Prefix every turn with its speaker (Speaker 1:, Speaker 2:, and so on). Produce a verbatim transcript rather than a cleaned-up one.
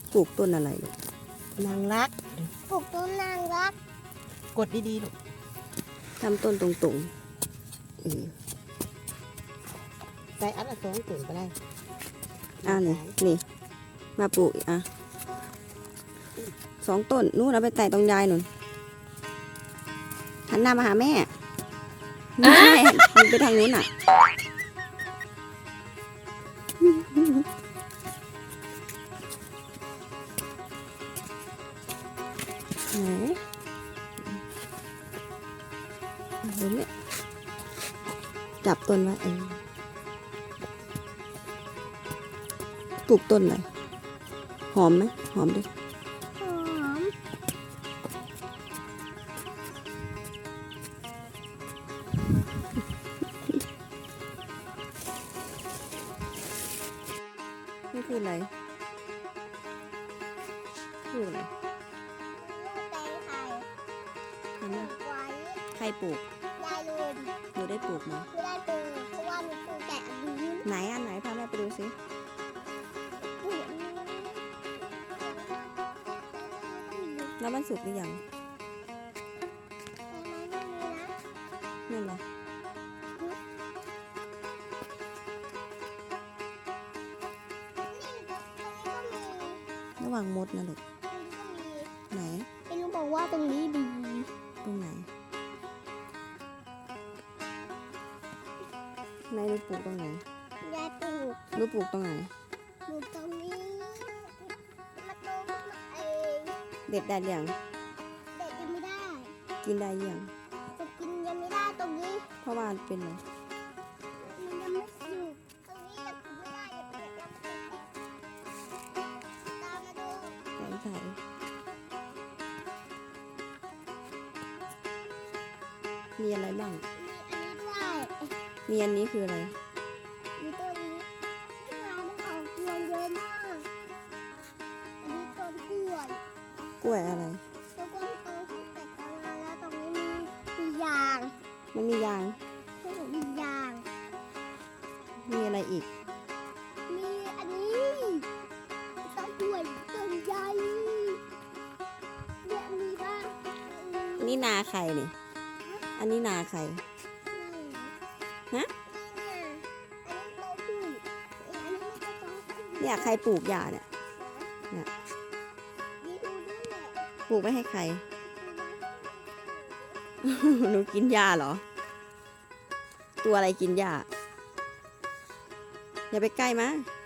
Speaker 1: ปลูกต้นอะไรลูก
Speaker 2: นางรัก
Speaker 3: ปลูกต้นนางรัก
Speaker 2: กดดีๆลูก
Speaker 1: ทำต้นตรงๆอืม
Speaker 2: ใส่อันละสองถุงก็ได้
Speaker 1: อ่านี่นี่ มาปลูกอีกอ่ะสองต้นนู่นเอาไปแต่ตรงยายหนุนหันหน้ามาหาแม่ไม่ใช่มันไปทางนู้นอ่ะไหนดูเนี่ยจับต้นไว้เออปลูกต้นอะไรหอมไหมหอมดิ
Speaker 3: หอม
Speaker 1: นี่คืออะไรคืออะไร
Speaker 3: แตงไทย
Speaker 1: เห็นไหม
Speaker 3: ไว้
Speaker 1: ใครปลูก
Speaker 3: ยายลืม
Speaker 1: หนูได้ปลูกไหม
Speaker 3: ไม่ได้ปลูกเพราะว่ามีปลูกแต่อันนี้
Speaker 1: ไหนอันไหนพาแม่ไปดูสิ
Speaker 3: ปลูกอันนี้
Speaker 1: แล้วมันสุกหรือยัง
Speaker 3: แต่มันไม่มีนะ
Speaker 1: นั่นเหรอระวังมดนะลูกไหน
Speaker 3: ไม่รู้บอกว่าตรงนี้ดี
Speaker 1: ตรงไหนไหนหนูปลูกตรงไหน
Speaker 3: ยายปลูก
Speaker 1: หนูปลูกตรงไหน
Speaker 3: ปลูกตรงนี้มาโตขึ้นมาเอง
Speaker 1: เด็ดได้ยัง
Speaker 3: เด็กยังไม่ได้
Speaker 1: กินได้ยัง
Speaker 3: จะกินยังไม่ได้ตรงนี้
Speaker 1: เพราะว่ามันเป็นอะไร
Speaker 3: มันยังไม่สุกตรงนี้ยังกินไม่ได้เด็กๆยังไม่สุกตามมาดู
Speaker 1: แกงไทยมีอะไรบ้าง
Speaker 3: มีอันนี้ด้วย
Speaker 1: มีอันนี้คืออะไร
Speaker 3: มีต้นนี้ที่ร้านมันออกรวงเยอะมาก อันนี้ต้นกล้วย
Speaker 1: กล้วยอะไร
Speaker 3: ต้นกล้วยโตขึ้นแต่กลางวันแล้วตรงนี้มีมียาง
Speaker 1: มันมียาง
Speaker 3: ที่หนูมียาง
Speaker 1: มีอะไรอีก
Speaker 3: มีอันนี้ต้นกล้วยต้นใหญ่เนี่ยมีบ้าง
Speaker 1: อันนี้นาใครนี่ อันนี้นาใคร ฮะ เนี่ยใครปลูกหญ้าเนี่ย เนี่ย ปลูกไว้ให้ใคร หนูกินหญ้าเหรอ ตัวอะไรกินหญ้า อย่าไปใกล้มา